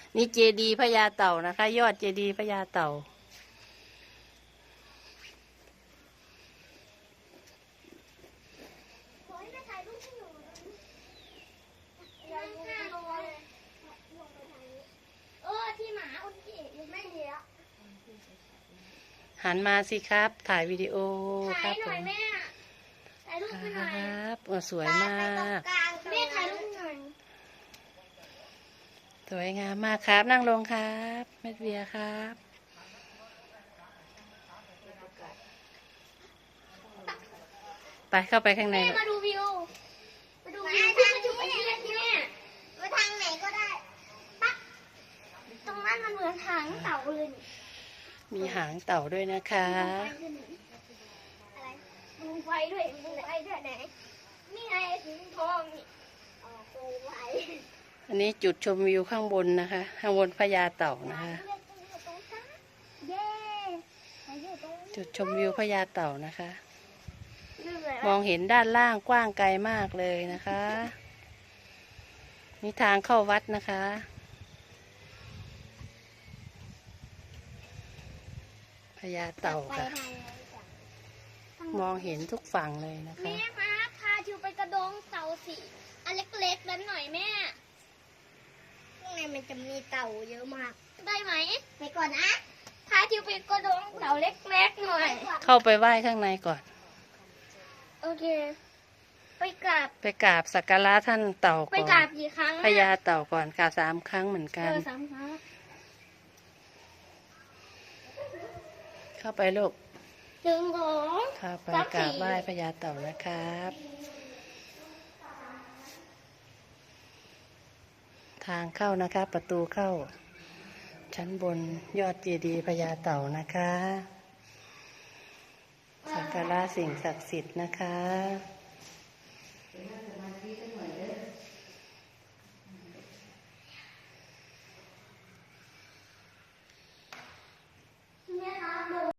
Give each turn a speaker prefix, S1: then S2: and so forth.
S1: นี่เจดีย์พญาเต่านะคะ ยอดเจดีย์พญาเต่าหันมาสิครับ ถ่ายวิดีโอครับผมครับสวยมาก
S2: แม่ถ่ายรูปหน่อย
S1: สวยงามมากครับ นั่งลงครับแม่เบียร์ครับ ไปเข้าไปข้างใน
S2: แม่มาดูวิวมาดูวิวที่มันอยู่ประเทศที่แม่มาทางไหนก็ได้ปั๊บตรงนั้นมันเหมือนหางเต่าเลย
S1: มีหางเต่าด้วยนะคะ
S2: อะไรดูไฟด้วยดูไฟด้วยไหนนี่ไงสีทองนี่อ๋อดูไฟ
S1: อันนี้จุดชมวิวข้างบนนะคะ ข้างบนพญาเต่านะคะ
S2: เย้
S1: จุดชมวิวพญาเต่านะคะ มองเห็นด้านล่างกว้างไกลมากเลยนะคะนี่ทางเข้าวัดนะคะพญาเต่าค่ะมองเห็นทุกฝั่งเลยนะคะ
S2: แม่ครับพาทิวไปกระดงเต่าสิอันเล็กๆนั้นหน่อยแม่ข้างในมันจะมีเต่าเยอะมากได้ไหมไปก่อนนะพาทิวไปกระดงเต่าเล็กๆหน่อย
S1: เข้าไปไหว้ข้างในก่อน
S2: โอเคไปกราบ
S1: สักการะท่านเต่า
S2: ไป
S1: ก่อน
S2: กราบกี่ครั้ง
S1: พญาเต่าก่อนกราบ3 ครั้งเหมือนกัน
S2: 3 ครั้ง
S1: เข้าไปลูก
S2: ถึงหรอ
S1: เข้าไปกราบไหว้พญาเต่านะครับ ทางเข้านะคะ ประตูเข้า ชั้นบนยอดเจดีย์พญาเต่านะคะสักการะสิ่งศักดิ์สิทธิ์นะคะ